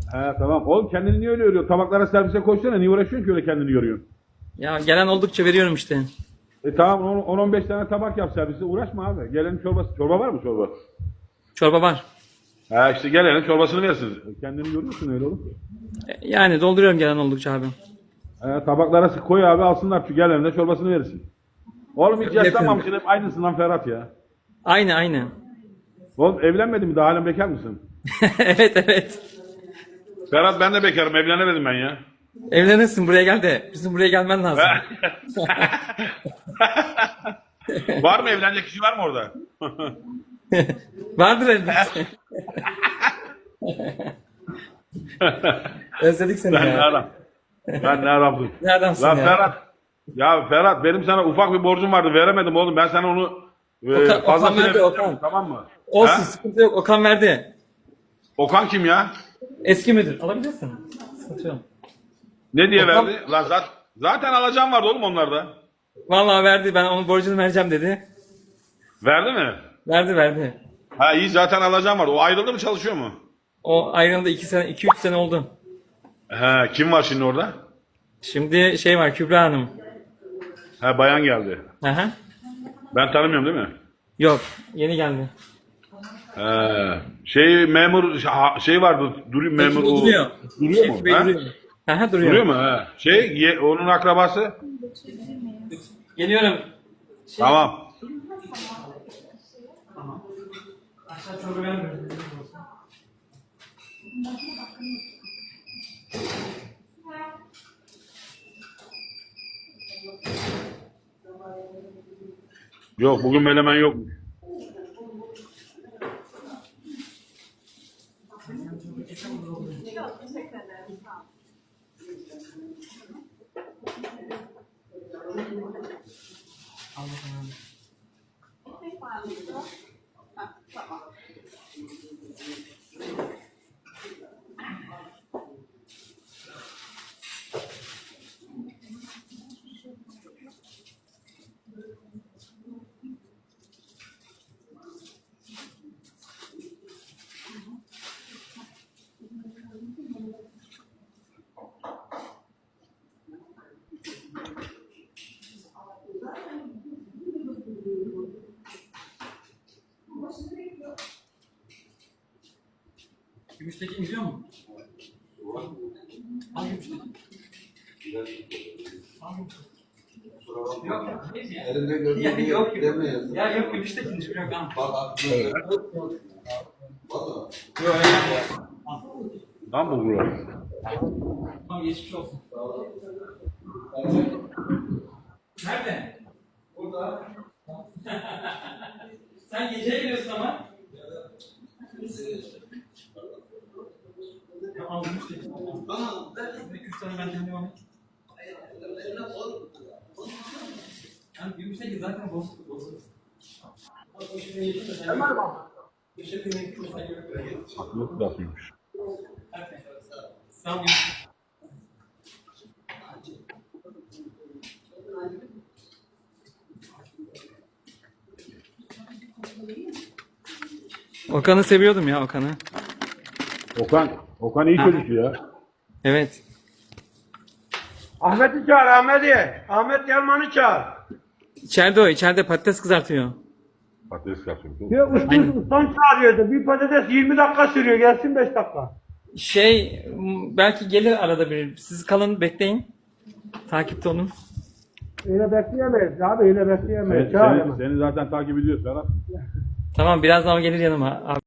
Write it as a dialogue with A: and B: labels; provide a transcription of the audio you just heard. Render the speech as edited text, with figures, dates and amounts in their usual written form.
A: He tamam. Oğlum kendini niye öyle yoruyorsun? Tabaklara servise koşsana. Niye uğraşıyorsun ki öyle kendini yoruyorsun?
B: Ya gelen oldukça veriyorum işte.
A: Tamam 10-15 tane tabak yap servise. Uğraşma abi. Gelenin çorbası. Çorba var mı çorba?
B: Çorba var.
A: Ha işte gelenin çorbasını versin. Kendini yoruyorsun öyle oğlum.
B: Yani dolduruyorum gelen oldukça abi.
A: Tabaklara koy abi alsınlar. Şu gelenin de çorbasını verirsin. Oğlum hiç
B: Öyle
A: yaşlanmamışsın. Hep aynısın Ferhat ya.
B: Aynı aynı.
A: Oğlum evlenmedin mi? Daha halen bekar mısın?
B: Evet evet.
A: Ferhat ben de bekarım. Evlenemedim ben ya.
B: Evlenirsin, buraya gel de. Bizim buraya gelmen lazım.
A: Var mı evlenecek kişi var mı orada?
B: Vardır elbette. Özledik seni
A: Ben ne
B: ya.
A: adam? Ben ne adamsın?
B: Ne adamsın
A: Lan
B: ya.
A: Ferhat. Ya Ferhat benim sana ufak bir borcum vardı veremedim oğlum. Ben sana onu
B: Okan
A: fazlasıyla
B: verdi,
A: vereceğim,
B: Okan.
A: tamam mı?
B: Olsun,
A: Ha?
B: sıkıntı yok. Okan verdi.
A: Okan kim ya?
B: Eski müdür. Alabilirsin. Sıkıntı yok.
A: Ne diye
B: Okan-
A: verdi? Lan zaten alacağım vardı oğlum onlarda.
B: Vallahi verdi. Ben onun borcunu vereceğim dedi.
A: Verdi mi?
B: Verdi verdi.
A: Ha iyi zaten alacağım vardı. O ayrıldı mı çalışıyor mu?
B: O ayrıldı 2 3 sene oldu.
A: He kim var şimdi orada?
B: Şimdi şey var, Kübra Hanım.
A: Ha bayan geldi.
B: Aha.
A: Ben tanımıyorum değil mi?
B: Yok, yeni geldi.
A: Şey memur şey vardı duruyor memur o.
B: Duruyor.
A: Duruyor mu?
B: Şevki Bey
A: Ha?
B: duruyor. Aha, duruyor.
A: Duruyor mu? Ha. Onun akrabası?
B: Geliyorum.
A: Tamam.
B: Aşağı çorba vermiyorum.
A: Yok bugün melemen yok.
B: Gümüşteki imzliyor mu? Hangi gümüşteki? Yok yok.
C: Elinde gördüğün
B: Yok yok.
C: demeyiz.
B: Ya yok, gümüşteki hiçbir yok lan.
C: Bak aklına. Valla.
B: Yok öyle ya.
A: Lan bu bura.
B: Tamam, geçmiş olsun. Nerede? Burada. Sen gece geliyorsun ama. Ya aldım işte.
C: Bana ver.
B: 2-3 tane benden devam et. Yani gümüşteki zaten bozuk. Bak o şimdi yedim de sen. Hemen bak. Geçirdiğin ekip mesela görüyorum.
A: Haklı lafıymış.
B: Sağ ol. Okan'ı seviyordum ya, Okan'ı.
A: Okan iyi çocuk ya.
B: Evet.
D: Ahmet'i çağır Ahmet'i. Ahmet Yalman'ı çağır.
B: İçeride o, içeride patates kızartıyor.
A: Patates yapıyor.
D: Ya ustan çağırıyordu. Bir patates 20 dakika sürüyor. Gelsin 5 dakika.
B: Belki gelir arada bir. Siz kalın, bekleyin. Takipte olun.
D: Öyle bekleyemeyiz abi. Öyle bekleyemeyiz. Çağır hemen.
A: Seni zaten takip ediyoruz Ferhat.
B: Tamam, birazdan o gelir yanıma. Abi.